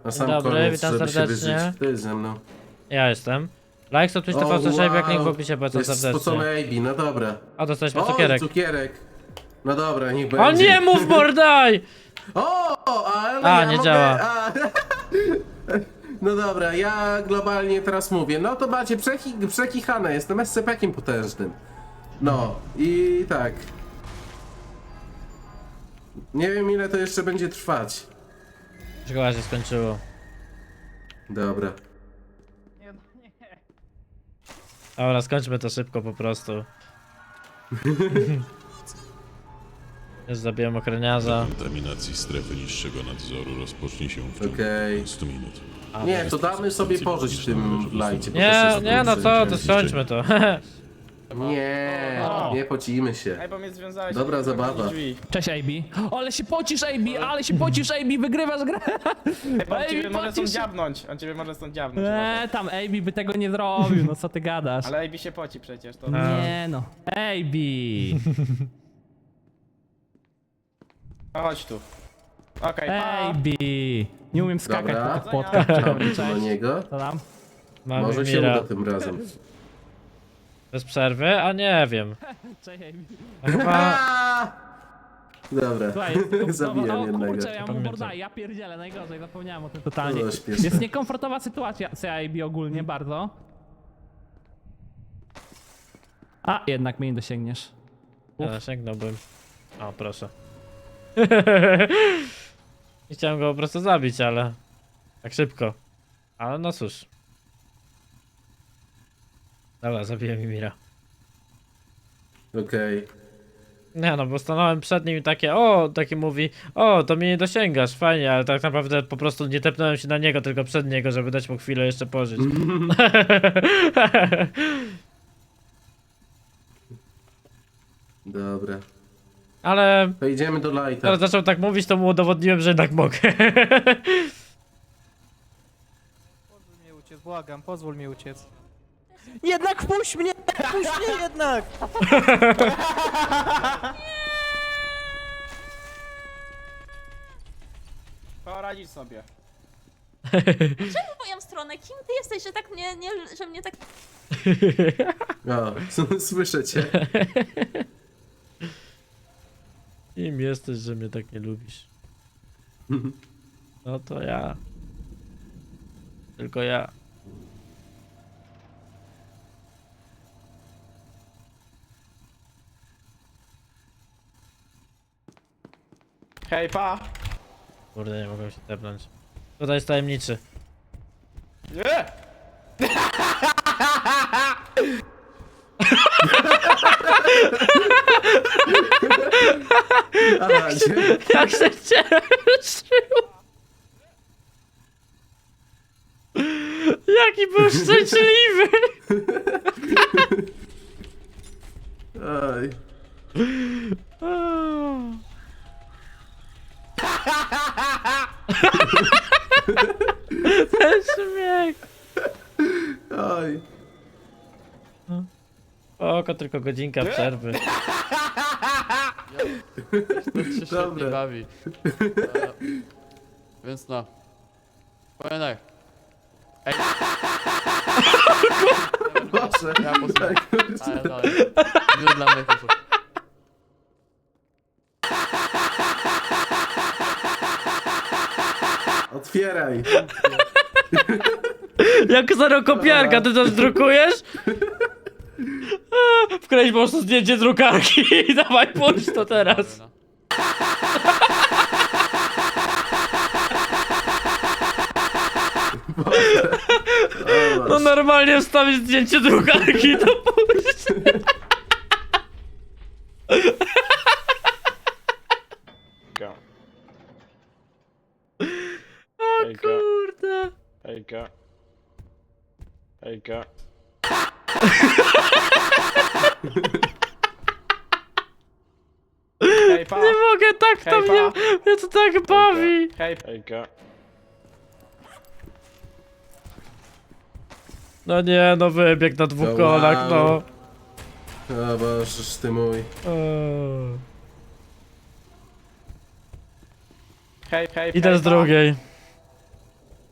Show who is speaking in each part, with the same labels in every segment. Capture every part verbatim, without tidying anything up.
Speaker 1: Na sam
Speaker 2: dobry,
Speaker 1: koniec,
Speaker 2: witam
Speaker 1: żeby się
Speaker 2: serdecznie.
Speaker 1: wyżyć. Ty ze mną.
Speaker 2: Ja jestem. Like, to Twitch, to
Speaker 1: O,
Speaker 2: Fausto, jak
Speaker 1: wow.
Speaker 2: link w opisie,
Speaker 1: To
Speaker 2: polecam
Speaker 1: jest
Speaker 2: serdecznie.
Speaker 1: spocony A B, no dobra.
Speaker 2: O, dostaliśmy
Speaker 1: O,
Speaker 2: cukierek.
Speaker 1: cukierek. No dobra, niech będzie.
Speaker 2: O nie, mów mordaj!
Speaker 1: O, ale
Speaker 2: A,
Speaker 1: ja
Speaker 2: nie
Speaker 1: mogę...
Speaker 2: działa.
Speaker 1: A... No dobra, ja globalnie teraz mówię. No to macie przeki... przekichane, jestem S C P-kiem potężnym. No i tak. Nie wiem ile to jeszcze będzie trwać.
Speaker 2: Szkoła się skończyło.
Speaker 1: Dobra.
Speaker 2: Dobra, skończmy to szybko po prostu. Już zabiłem ochroniarza.
Speaker 3: Kontaminacji strefy niższego nadzoru rozpocznie się w ciągu
Speaker 1: Okej.
Speaker 3: piętnastu minut.
Speaker 2: A,
Speaker 1: Nie, to damy sobie pożyć w tym lajcie. po
Speaker 2: Nie,
Speaker 1: prostu
Speaker 2: nie, no co, to
Speaker 1: skończyć.
Speaker 2: skończmy to.
Speaker 1: Nie, nie pocimy się.
Speaker 4: Ej, bo mnie związałeś.
Speaker 1: Dobra
Speaker 4: z
Speaker 1: zabawa.
Speaker 4: drzwi.
Speaker 5: Cześć A B. O, ale się pocisz A B, ale się pocisz A B, wygrywasz grę.
Speaker 4: Ej, bo on ciebie
Speaker 5: Ej,
Speaker 4: może stąd
Speaker 5: pocisz.
Speaker 4: dziabnąć. On ciebie może stąd dziabnąć. uważaj.
Speaker 5: Eee, tam A B by tego nie zrobił, no co ty gadasz.
Speaker 4: Ale A B się poci przecież, to...
Speaker 5: Nie no. A B.
Speaker 4: No chodź tu. Okej,
Speaker 5: A
Speaker 4: pa.
Speaker 5: B. Nie umiem skakać
Speaker 1: Dobra.
Speaker 5: po tych płotkach.
Speaker 1: Czekam tu na niego.
Speaker 5: Co tam?
Speaker 2: Mamy
Speaker 1: Może się
Speaker 2: Mira.
Speaker 1: uda tym razem.
Speaker 2: Bez przerwy? A nie wiem.
Speaker 5: Cześć A B.
Speaker 2: A Chyba...
Speaker 1: Aaa! Dobra,
Speaker 5: Słuchaj, jest tylko-
Speaker 1: zabijam
Speaker 5: o,
Speaker 1: jednego.
Speaker 5: kurczę, ja mu
Speaker 2: Pamiętam.
Speaker 5: morda, ja pierdzielę, najgorzej, zapomniałem o tym totalnie.
Speaker 1: No, śpieszne.
Speaker 5: Jest niekomfortowa sytuacja z A B ogólnie, bardzo. A, jednak mnie nie dosięgniesz.
Speaker 2: Ja sięgnąłbym. O, proszę. Nie chciałem go po prostu zabić, ale... Tak szybko. Ale no cóż. Dobra, zabiłem Mimira.
Speaker 1: Okej.
Speaker 2: Nie no, bo stanąłem przed nim i takie, o, taki mówi, o, to mnie nie dosięgasz, fajnie, ale tak naprawdę po prostu nie tepnąłem się na niego, tylko przed niego, żeby dać mu chwilę jeszcze pożyć.
Speaker 1: Dobra.
Speaker 2: Ale
Speaker 1: To idziemy do lighta.
Speaker 2: teraz zaczął tak mówić, to mu udowodniłem, że jednak mogę.
Speaker 6: Pozwól mnie uciec, błagam, pozwól mi uciec.
Speaker 5: Jednak wpuść mnie!
Speaker 6: Puść mnie jednak!
Speaker 4: Poradzisz sobie.
Speaker 7: w moją stronę. Kim ty jesteś, że tak mnie, nie, że mnie tak...
Speaker 1: O, słyszę cię.
Speaker 2: Kim jesteś, że mnie tak nie lubisz? No to ja. Tylko ja.
Speaker 4: Hej, pa.
Speaker 2: Kurde, nie mogłem się tepnąć. Tutaj jest tajemniczy.
Speaker 4: Nie!
Speaker 1: Aha, gdzie?
Speaker 2: Jak się cieszył! Jaki był szczęśliwy!
Speaker 1: Oj.
Speaker 2: Ten śmiech!
Speaker 1: Oj.
Speaker 2: Oko, tylko godzinka przerwy.
Speaker 8: To się świetnie
Speaker 1: Dobra.
Speaker 8: bawi. E, więc no. Powiem tak. Ej,
Speaker 1: Boże.
Speaker 8: ja posłucham. Ale no, już dla mnie poszło.
Speaker 1: Otwieraj.
Speaker 2: Jak zerokopiarka, ty też drukujesz? A, Wkleź po prostu zdjęcie drukarki i dawaj pójść to teraz.
Speaker 8: No.
Speaker 2: No normalnie wstawić zdjęcie drukarki i to pójść.
Speaker 4: Go.
Speaker 2: O
Speaker 4: Ejka.
Speaker 2: kurde.
Speaker 4: Hejka. Hejka. Hej, pa.
Speaker 2: Nie mogę, tak to
Speaker 4: Hej,
Speaker 2: mnie,
Speaker 4: pa.
Speaker 2: mnie to tak bawi.
Speaker 4: Hej, hejka.
Speaker 2: No nie, no wybieg na dwóch
Speaker 1: No
Speaker 2: kolach, no.
Speaker 1: wow. O Bożeż ty mój.
Speaker 2: Eee.
Speaker 4: Hej, hej,
Speaker 2: Idę
Speaker 4: hej,
Speaker 2: z
Speaker 4: pa.
Speaker 2: drugiej.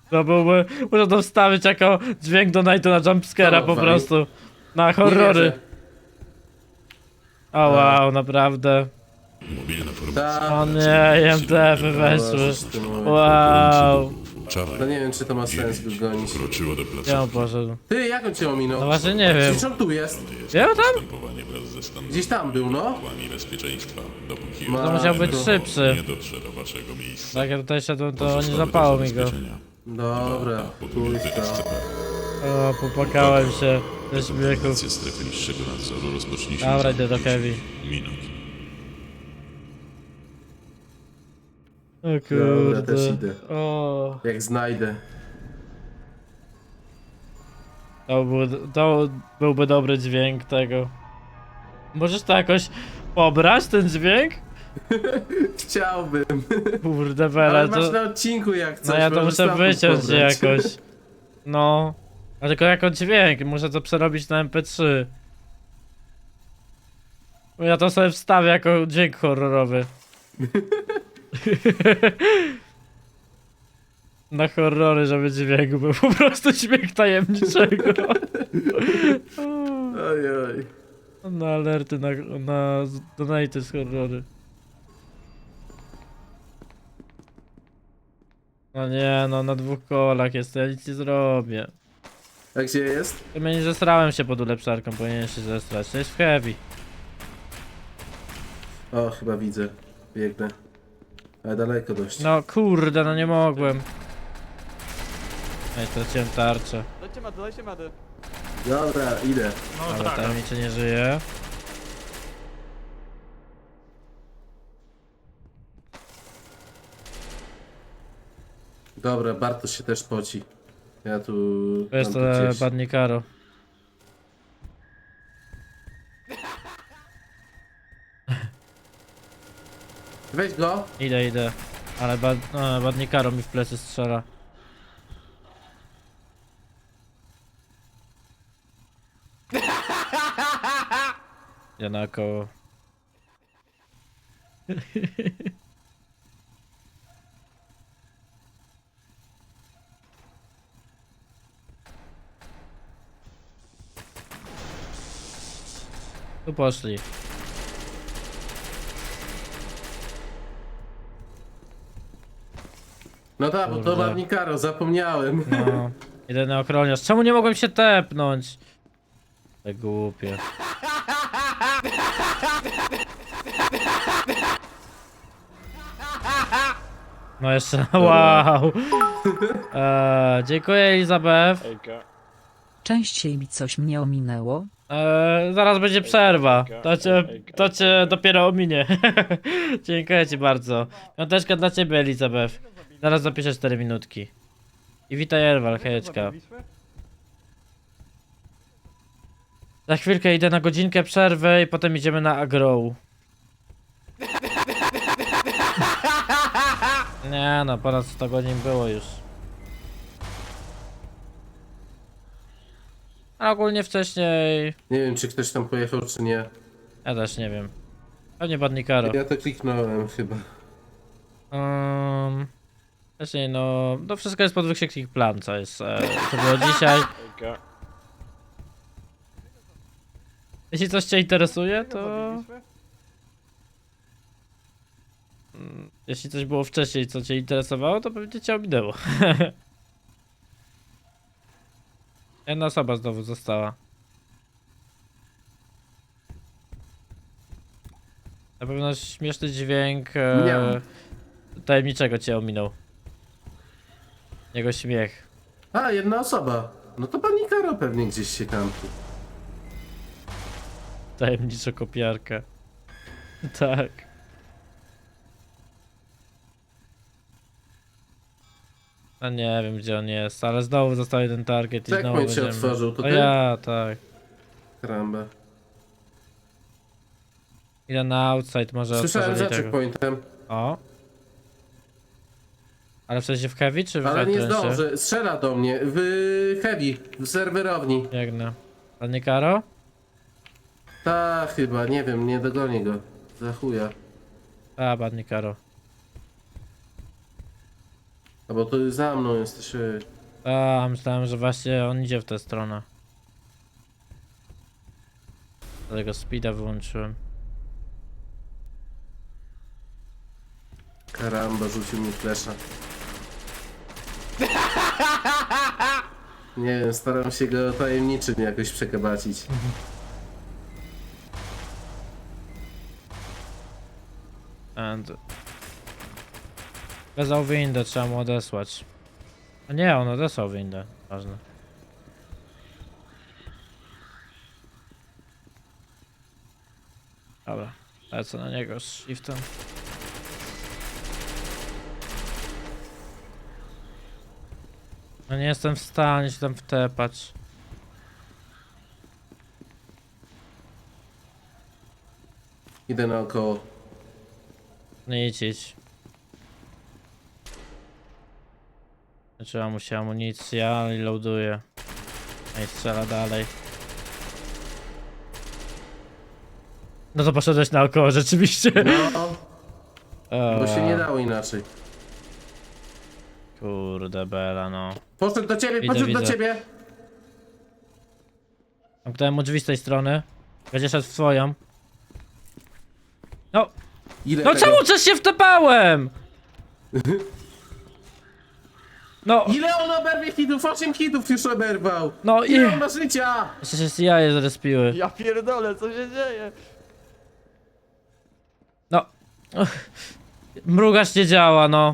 Speaker 2: To byłby... Muszę to wstawić jako dźwięk do Nightu na jumpscare'a po
Speaker 1: Dawaj.
Speaker 2: prostu. Na
Speaker 1: Nie
Speaker 2: horrory.
Speaker 1: wierzę.
Speaker 2: O wow, naprawdę.
Speaker 3: Mobilna formacja.
Speaker 1: Ta,
Speaker 2: O nie, I M T F-y weszły.
Speaker 1: Boże, ty mój.
Speaker 2: Wow.
Speaker 3: Wczoraj
Speaker 1: No nie wiem, czy to ma sens go gonić.
Speaker 3: wkroczyło do
Speaker 2: Gdzie on
Speaker 3: placówki.
Speaker 2: poszedł?
Speaker 1: Ty, jak on cię ominął?
Speaker 2: No właśnie nie wiem.
Speaker 1: Gdzieś on tu jest.
Speaker 2: Gdzie on tam?
Speaker 3: Postępowanie wraz ze standardami
Speaker 1: Gdzieś tam był, no.
Speaker 3: bezpieczeństwa, dopóki
Speaker 1: Ma-
Speaker 2: To musiał być
Speaker 1: to-
Speaker 2: szybszy.
Speaker 3: nie dotrze do waszego miejsca.
Speaker 2: Tak, ja tutaj szedłem, to nie
Speaker 3: Pozostałe
Speaker 2: złapało
Speaker 3: do
Speaker 2: mi go.
Speaker 3: zabezpieczenia.
Speaker 1: Dobra,
Speaker 3: Podróżny
Speaker 1: pójdź
Speaker 3: S C
Speaker 1: to.
Speaker 3: P.
Speaker 2: O, popłakałem się ze śmiechu.
Speaker 3: Akcja strefy niższego nadzoru rozpocznie się
Speaker 2: Dobra,
Speaker 3: za
Speaker 2: idę do
Speaker 3: pięć
Speaker 2: Heavy.
Speaker 3: minut.
Speaker 2: O
Speaker 1: Dobra, też
Speaker 2: kurde.
Speaker 1: idę.
Speaker 2: O,
Speaker 1: Jak znajdę.
Speaker 2: to, był, to byłby dobry dźwięk tego. Możesz to jakoś pobrać, ten dźwięk?
Speaker 1: Chciałbym.
Speaker 2: Kurde,
Speaker 1: Ale
Speaker 2: Bele,
Speaker 1: masz
Speaker 2: to...
Speaker 1: na odcinku jak coś.
Speaker 2: No ja to
Speaker 1: możesz
Speaker 2: muszę
Speaker 1: stamtąd
Speaker 2: wyciąć
Speaker 1: pobrać.
Speaker 2: jakoś. No. A tylko jako dźwięk, muszę to przerobić na M P trzy. Bo ja to sobie wstawię jako dźwięk horrorowy. Na horrory, żeby dźwięk był po prostu dźwięk tajemniczego.
Speaker 1: Oj, oj.
Speaker 2: Na alerty, na, na donaty z horrory. No nie, no na dwóch kolach jest, ja nic nie zrobię.
Speaker 1: A gdzie jest?
Speaker 2: Ja nie zesrałem się pod ulepszarką, powinien się zestrać. To jest w heavy.
Speaker 1: O, chyba widzę. Biegnę. Ale daleko dość.
Speaker 2: No kurde, no nie mogłem. Ej, straciłem tarczę.
Speaker 6: Dajcie medy, dajcie medy.
Speaker 1: Dobra, idę.
Speaker 2: Ale tajemniczy nie żyje.
Speaker 1: Dobra, Bartosz się też poci. Ja tu...
Speaker 2: To jest
Speaker 1: mam tu
Speaker 2: to
Speaker 1: gdzieś.
Speaker 2: Badnikaro.
Speaker 1: Weź go.
Speaker 2: Idę, idę. Ale bad, no, Badnikaro mi w plecy strzela. Ja na koło. Tu poszli.
Speaker 1: No tak, bo to
Speaker 2: Kurde.
Speaker 1: Barnikaro, zapomniałem.
Speaker 2: No. Jedyny ochroniarz. Czemu nie mogłem się tepnąć? Tak głupie. No jeszcze, wow. Eee, dziękuję Elizabeth.
Speaker 4: Hejka.
Speaker 9: Częściej mi coś mnie ominęło.
Speaker 2: Eee, zaraz będzie przerwa. To cię, to cię dopiero ominie. Dziękuję ci bardzo. Piąteczka dla ciebie Elizabeth. Zaraz zapiszę cztery minutki. I witaj Erwal, hejeczka. Za chwilkę idę na godzinkę przerwy i potem idziemy na agro. Nie no, ponad sto godzin było już. A ogólnie wcześniej...
Speaker 1: Nie wiem, czy ktoś tam pojechał, czy nie.
Speaker 2: Ja też nie wiem. Pewnie Badnikaro.
Speaker 1: Ja to kliknąłem chyba.
Speaker 2: Um, wcześniej no... To wszystko jest pod wykrzyknik plan, co jest... E, co było dzisiaj.
Speaker 4: Hejka.
Speaker 2: Jeśli coś cię interesuje, to... Mm, Jeśli coś było wcześniej, co cię interesowało, to pewnie cię ominęło. Jedna osoba znowu została. Na pewno śmieszny dźwięk e,
Speaker 1: Miał.
Speaker 2: tajemniczego cię ominął. Jego śmiech.
Speaker 1: A, jedna osoba. No to Barnikaro pewnie gdzieś się kampi.
Speaker 2: Tajemniczo kopiarka. Tak. A nie wiem gdzie on jest, ale znowu został jeden target i znowu
Speaker 1: Checkpoint się
Speaker 2: będziemy...
Speaker 1: otworzył, to
Speaker 2: O
Speaker 1: ty?
Speaker 2: ja, tak.
Speaker 1: Karamba.
Speaker 2: Idę na outside, może
Speaker 1: Słyszałem
Speaker 2: otworzyli
Speaker 1: za
Speaker 2: tego.
Speaker 1: checkpointem,
Speaker 2: O. Ale w sensie w heavy czy w
Speaker 1: ale nie
Speaker 2: entrance'ie?
Speaker 1: zdążę. Strzela do mnie w heavy, w serwerowni.
Speaker 2: Biegnę. Panie Karo?
Speaker 1: Ta chyba, nie wiem, nie dogonię go. Za chuja.
Speaker 2: A, badnie Karo.
Speaker 1: A bo to za mną jesteś. ej.
Speaker 2: A, myślałem, że właśnie on idzie w tę stronę. Dlatego speeda wyłączyłem.
Speaker 1: Karamba, rzucił mi flesza. Nie wiem, staram się go tajemniczym jakoś przekabacić.
Speaker 2: And... Wezwał windę, trzeba mu odesłać. A nie, on odesłał windę. Ważne. Dobra, lecę na niego z shiftem. No nie jestem w stanie się tam wtepać.
Speaker 1: Idę naokoło.
Speaker 2: Nie idź, idź. Trzeba mu się amunicja i loaduje. No i strzela dalej. No to poszedłeś naokoło rzeczywiście.
Speaker 1: No,
Speaker 2: O,
Speaker 1: bo się nie dało inaczej.
Speaker 2: kurde bela no.
Speaker 1: Poszedł do ciebie,
Speaker 2: Widzę,
Speaker 1: poszedł do
Speaker 2: widzę.
Speaker 1: ciebie!
Speaker 2: Zamknąłem mu drzwi z tej strony. Będzie szedł w swoją. No,
Speaker 1: Ile
Speaker 2: no
Speaker 1: tego?
Speaker 2: czemu coś się wtepałem? No,
Speaker 1: Ile on oberwie hitów? osiem hitów już oberwał!
Speaker 2: no i...
Speaker 1: Ile on ma życia?
Speaker 2: Jeszcze się z jaje zrespiły.
Speaker 4: Ja pierdolę, co się dzieje?
Speaker 2: No. Ech. Mrugacz nie działa, no.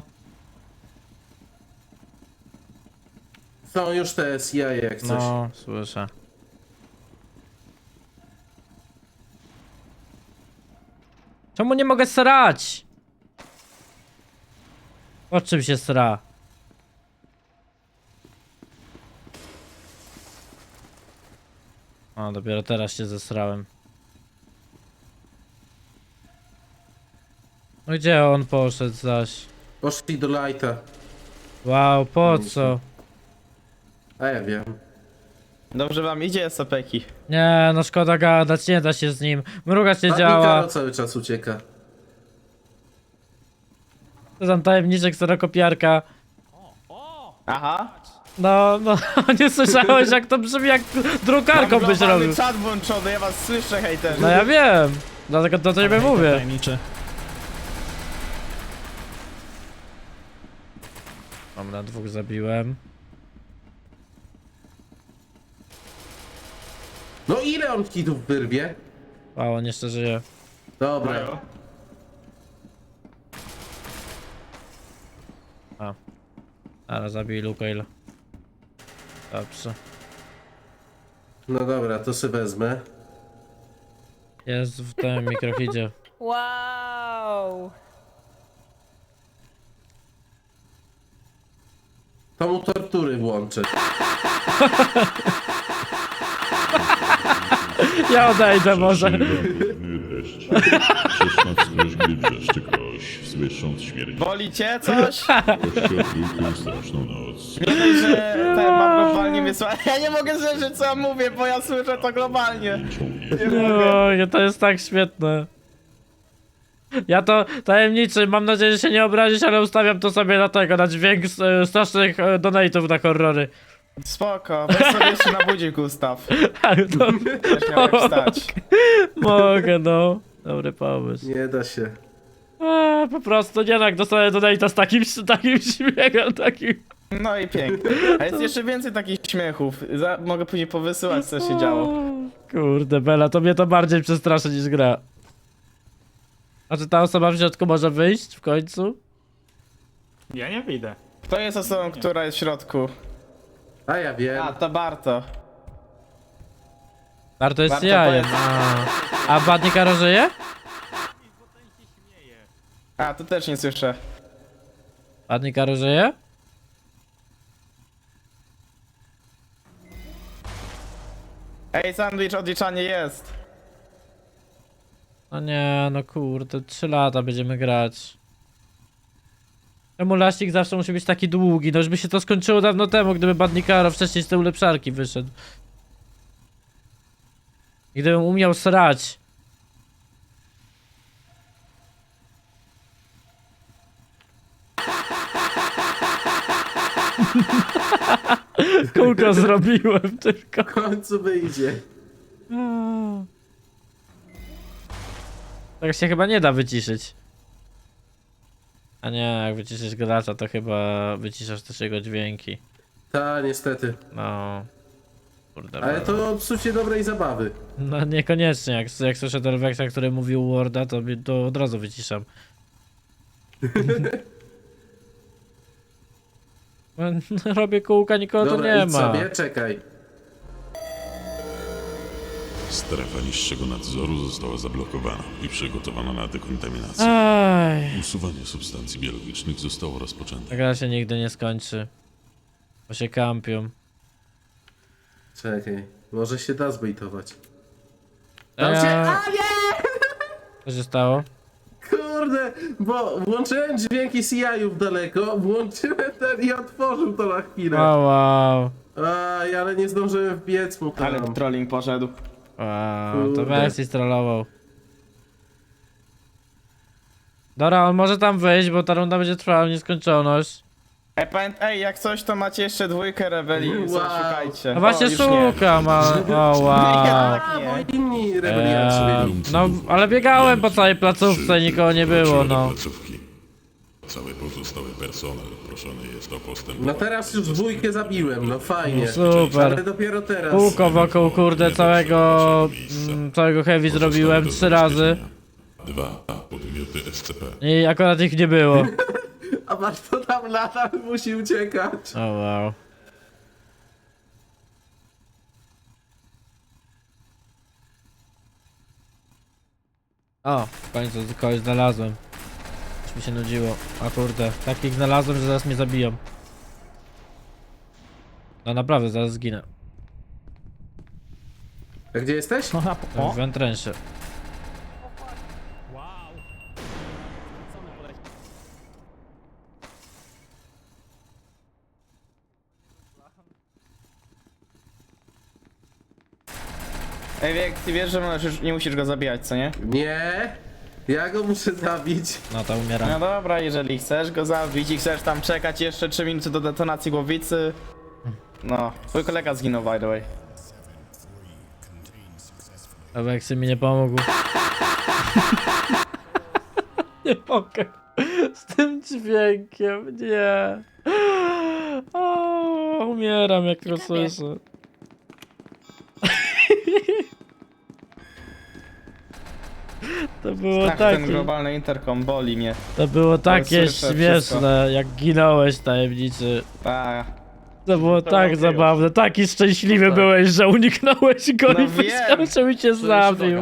Speaker 1: Są już te C I A jak coś.
Speaker 2: No, słyszę. Czemu nie mogę srać? O czym się sra? O, dopiero teraz się zesrałem. No gdzie on poszedł zaś?
Speaker 1: Poszli do lighta.
Speaker 2: Wow, po co?
Speaker 1: A ja wiem.
Speaker 4: Dobrze wam idzie, Sapeki.
Speaker 2: Nie, no szkoda gadać, nie da się z nim. Mrugacz nie
Speaker 1: A
Speaker 2: działa.
Speaker 1: Mikaro cały czas ucieka.
Speaker 2: To tam tajemniczek kserokopiarka.
Speaker 4: Aha.
Speaker 2: No, no, nie słyszałeś jak to brzmi, jak drukarką byś robił.
Speaker 4: Mam czat włączony, ja was słyszę, hejter.
Speaker 2: No ja wiem, dlatego do ciebie mówię.
Speaker 5: Tajemniczy.
Speaker 2: Mam na dwóch zabiłem.
Speaker 1: No ile on hitów wyrwie?
Speaker 2: Wow, on jeszcze żyje.
Speaker 1: Dobra.
Speaker 2: A. Ale zabij Luke'il. Dobrze.
Speaker 1: No dobra, to sobie wezmę.
Speaker 2: Jest w tym mikrohidzie.
Speaker 7: Wow.
Speaker 1: To mu tortury włączę.
Speaker 2: Ja odejdę może.
Speaker 3: Deszcz. Szesnac groźby dreszczy koś, słysząc śmierć
Speaker 4: Boli cię coś?
Speaker 3: kościotruchu straszną noc.
Speaker 4: Nie dość, że ten mam globalnie wysłać. Ja nie mogę zrzeć, co ja mówię, bo ja słyszę to globalnie.
Speaker 2: No, to jest tak świetne. Ja to tajemniczy, mam nadzieję, że się nie obrazisz, ale ustawiam to sobie na tego, na dźwięk e, strasznych e, donate'ów na horrory.
Speaker 4: Spoko, weź sobie jeszcze na budzik ustaw.
Speaker 2: Ale to
Speaker 4: Też miałeś wstać.
Speaker 2: mogę, no. Dobry pomysł.
Speaker 1: Nie da się.
Speaker 2: A, po prostu nie tak, dostanę donate'a z takim, z takim śmiechem, takim...
Speaker 4: No i pięknie. A jest jeszcze więcej takich śmiechów. Za, mogę później powysyłać, co się działo.
Speaker 2: O, kurde, Bela, to mnie to bardziej przestraszy niż gra. A czy ta osoba w środku może wyjść w końcu?
Speaker 5: Ja nie widzę.
Speaker 4: Kto jest osobą, która jest w środku?
Speaker 1: A ja wiem.
Speaker 4: A, to Barto.
Speaker 2: Warto jest
Speaker 4: Warto
Speaker 2: jajem.
Speaker 4: to
Speaker 2: A, a Badnikaro żyje?
Speaker 4: A, to też nie słyszę.
Speaker 2: Badnikaro żyje?
Speaker 4: Ej, sandwich, odliczanie jest.
Speaker 2: No nie, no kurde, trzy lata będziemy grać. Czemu laścik zawsze musi być taki długi? No już by się to skończyło dawno temu, gdyby Badnikaro wcześniej z tej ulepszarki wyszedł. I gdybym umiał srać. Kółko zrobiłem tylko.
Speaker 1: W końcu wyjdzie.
Speaker 2: Tak się chyba nie da wyciszyć. A nie, jak wyciszysz gracza, to chyba wyciszasz też jego dźwięki.
Speaker 1: Ta, niestety.
Speaker 2: No. Kurde.
Speaker 1: Ale
Speaker 2: no.
Speaker 1: to psucie dobrej zabawy.
Speaker 2: No niekoniecznie, jak, jak słyszę Delvexa, który mówił Worda, to, mi- to od razu wyciszam. Robię kółka, nikogo tu
Speaker 1: Dobra,
Speaker 2: nie
Speaker 1: idź
Speaker 2: ma.
Speaker 1: sobie, czekaj.
Speaker 3: Strefa niższego nadzoru została zablokowana i przygotowana na dekontaminację.
Speaker 2: Aj,
Speaker 3: Usuwanie substancji biologicznych zostało rozpoczęte.
Speaker 2: ta gra się nigdy nie skończy. Bo się kampią.
Speaker 1: Czekaj. Może się da zbejtować.
Speaker 2: A
Speaker 1: Tam się...
Speaker 2: ja...
Speaker 1: A nie!
Speaker 2: Co się stało?
Speaker 1: Kurde, bo włączyłem dźwięki C I-ów daleko, włączyłem ten i otworzył to na chwilę.
Speaker 2: Wow, wow.
Speaker 1: Aj, ale nie zdążyłem wbiec mu tam.
Speaker 4: Ale trolling poszedł.
Speaker 2: Wow, to
Speaker 1: Kurde.
Speaker 2: Vexi strollował. Dobra, on może tam wyjść, bo ta runda będzie trwała w nieskończoność.
Speaker 4: Ej, pamięt, ej, jak coś to macie jeszcze dwójkę rebelii,
Speaker 1: Wow.
Speaker 4: wow. Szukajcie.
Speaker 2: No właśnie
Speaker 4: O, już nie.
Speaker 2: szukam, ale... O wow.
Speaker 4: Tak
Speaker 1: A,
Speaker 4: nie.
Speaker 1: bo inni rebelianci
Speaker 2: Eee,
Speaker 1: byli.
Speaker 2: no, ale biegałem po całej placówce i nikogo nie było, no.
Speaker 3: Placówki. Cały pozostały personel proszony jest o postęp.
Speaker 1: No teraz już dwójkę zabiłem, no fajnie.
Speaker 2: Super.
Speaker 1: Ale dopiero teraz.
Speaker 2: Kółko wokół, kurde, całego... Mm, całego heavy zrobiłem trzy razy.
Speaker 3: Dwa podmioty S C P.
Speaker 2: I akurat ich nie było.
Speaker 1: A Barto tam lata, musi uciekać.
Speaker 2: O wow. O, w końcu kogoś znalazłem. Już mi się nudziło. A kurde, takich znalazłem, że zaraz mnie zabiją. No naprawdę, zaraz zginę.
Speaker 1: A gdzie jesteś?
Speaker 5: No na po...
Speaker 2: W entrensie.
Speaker 4: Ej, Wiek, ty wiesz, że możesz, nie musisz go zabijać, co nie?
Speaker 1: Nie. Ja go muszę zabić.
Speaker 2: No to
Speaker 4: No
Speaker 2: umieram.
Speaker 4: dobra, jeżeli chcesz go zabić i chcesz tam czekać jeszcze trzy minuty do detonacji głowicy. No, twój kolega zginął, by the way.
Speaker 2: Alexy mi nie pomógł. Nie mogę. Z tym dźwiękiem, nie. O, umieram jak to słyszę. To było
Speaker 4: Tak, ten
Speaker 2: takie,
Speaker 4: globalny interkom boli mnie.
Speaker 2: to było takie
Speaker 4: słyszę
Speaker 2: śmieszne, jak ginąłeś tajemniczy.
Speaker 4: A,
Speaker 2: To było tak
Speaker 4: było.
Speaker 2: zabawne, taki szczęśliwy byłeś, że uniknąłeś go
Speaker 4: No
Speaker 2: i
Speaker 4: wiem.
Speaker 2: myślałem, że mi cię zabił.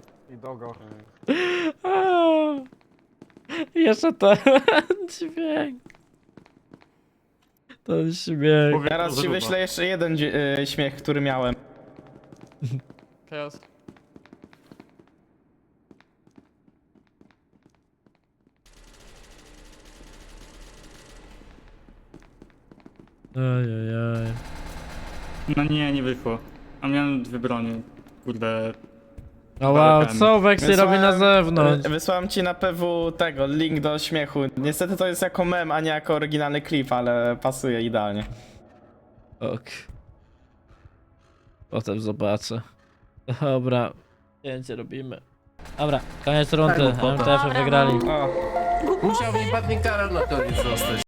Speaker 2: A, jeszcze ten dźwięk. Ten śmiech.
Speaker 4: teraz ci wyślę jeszcze jeden dzi- y, śmiech, który miałem.
Speaker 8: Chaos.
Speaker 2: Ojojoj.
Speaker 10: No nie, nie wyszło. A miałem dwie broni. Kurde.
Speaker 2: O wow, co Vexy robi na
Speaker 4: Wysłałem-
Speaker 2: zewnątrz?
Speaker 4: y, Wysłałem ci na P W tego, link do śmiechu. Niestety to jest jako mem, a nie jako oryginalny klip, ale pasuje idealnie.
Speaker 2: Ok. Potem zobaczę. Dobra, zdjęcie robimy. Dobra, koniec rundy,
Speaker 1: Tak, bo-
Speaker 2: M T F wygrali.
Speaker 4: O.
Speaker 1: Musiał mi padnie kara na koniec zostać.